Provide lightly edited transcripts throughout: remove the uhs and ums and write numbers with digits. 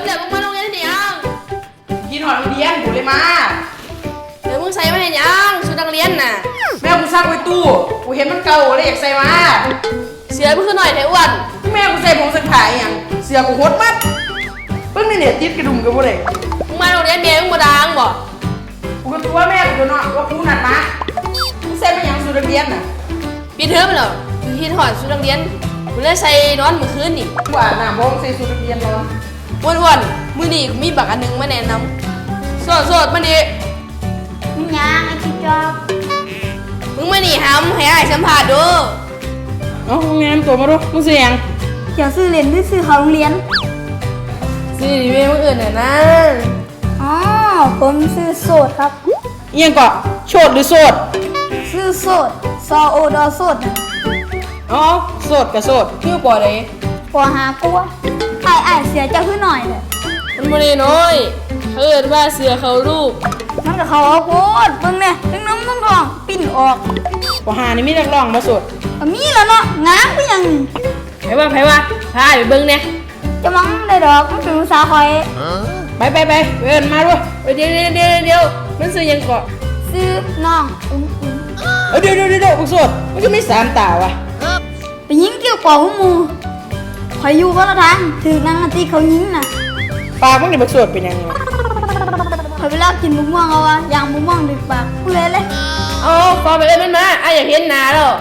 เลยมึงมาโรงเรียนได้ยังกินหอดโรงเรียนกูเลยมาเดี๋ยวมึงใส่มาให้ยังชุดนักเรียนน่ะแม่กูซักไว้ตู้กูเห็นมันเก่าเลยอยากใส่มาเสือมึงขึ้นหน่อยเถอะอ้วนแม่กูใส่ผงสักผ้าอย่างเสื้อกูหดมัดเพิ่งนี่เนี่ยติดกระดุมกับบ่ได้มึงมาโรงเรียนเมียมึงบ่ดังบ่กูก็ตัวแม่กูเนาะว่ากูนัดมามึงใส่มาอย่างชุดนักเรียนน่ะปีเทอมเหรอพี่ถอดชุดนักเรียนกูเลยใส่นอนเมื่อคืนนี่กูอาบน้ำบ่ใส่ชุดนักเรียนนอนอ้วนๆมื้อนี้มีบักอันนึงมาแนะนำโสดๆมาดิมึงยังไอ้ที่จอบมึงมานี่ห้ำให้อ้ายสัมภาษณ์ดูมึงแนะนำตัวมาดูมึงเสียงเดี๋ยวซื้อเรียนหรือซื้อเขาโรงเรียนซื้อดีเว้ยมึงอื่นน่ะนะอ๋อผมซื้อโสดครับเอียงก่อนโสดหรือโสดซื้อโสดซอโอดอโสดโสดกับโสดชื่อปอเลยปอหาปัวไอ้เสียเจ้าขึ้นหน่อยเลยมันบ่ได้น้อยเอิ้นว่าเสือเขารูปมันกับเขาเอาโคตรเบิ่งเนี่ยทั้งน้ำทั้งทองปิ้นออกปอหานี่มีนักร้องมาโสดก็มีแล้วเนาะงามก็ยังไผว่าพาไปเบิ่งเนี่ยจะมังได้ดอกมันเป็นภาษาคอยไปเอิ้นมาด้วยเดี๋ยวมันซื้อยังเกาะซื้อน้องเดี๋ยวพวกโสดมันก็มี3ตาวะไปยิงเกี่ยวกับหมูคอยอยู่ก็ละทางถือนางที่เขายิงน่ะปากมึงนี่บักโสดเป็นยังไงคอยไปลากกินมุกม่วงเอาวะอย่างมุกม่วงดึกปากกูเลยฟอไปเลยมันมาอยากเห็นหน้าแล้ว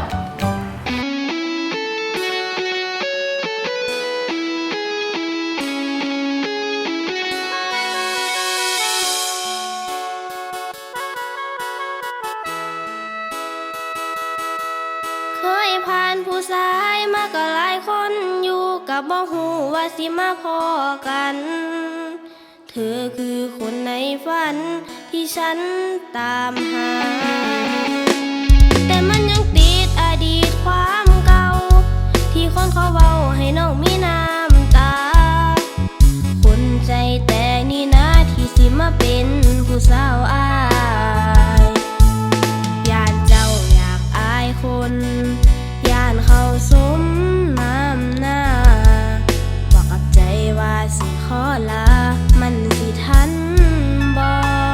เคยผ่านผู้ชายมาก็หลายคนอยู่กับบ่ฮู้ว่าสิมาพอกันเธอคือคนในฝันที่ฉันตามหาแต่มันยังติดอดีตความเก่าที่คนเขาเว้าให้น้องมีน้ำตาคนใจแต่นี่นะที่สิมาเป็นผู้สาวอายย่านเจ้าอยากอายคนย่านเขาสมน้ำหน้าบอกกับใจว่าสิขอลามันสิทันบ่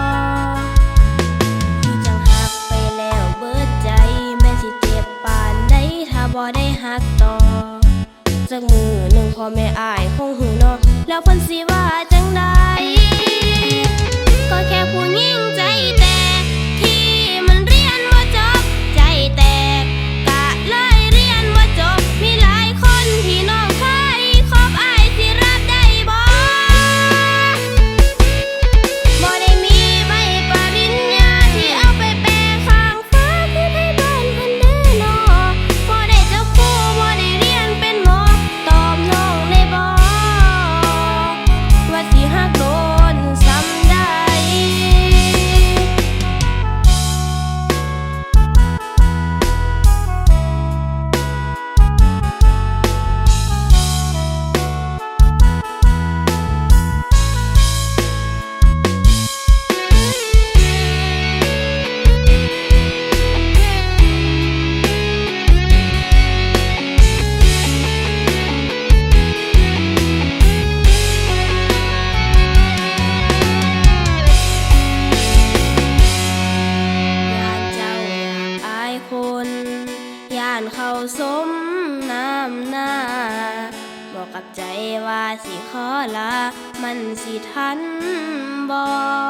ที่จังหักไปแล้วเบิดใจแม่สิเจ็บปานใดถ้าบ่ได้หักต่อจักมือหนึ่งพ่อแม่อายคงหูเนาะแล้วเพิ่นสิว่าจังใดก็แค่ผู้หญิงใจแตกที่มันเรียนบ่จบใจแตกกะเลยเรียนบ่จบมีหลายคนที่น้องเคยคบอายสิรับได้บ่ได้มีใบปริญญาที่เอาไปแปะข้างฟ้าคือให้บ้านเพิ่นเด้อเนาะบ่ได้เจ้าคู่บ่ได้เรียนเป็นหมอตอบน้องได้บ่ว่าสิฮักโดนซ้ำได้เขาสมน้ำหน้าบอกกับใจว่าสิขอลามันสิทันบ่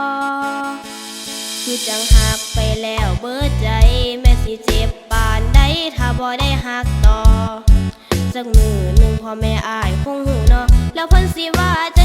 คือจังหักไปแล้วเบิดใจแม่สิเจ็บปานใดถ้าบ่ได้หักต่อจักมือหนึ่งพ่อแม่อายคงหูเนาะแล้วเพิ่นสิว่า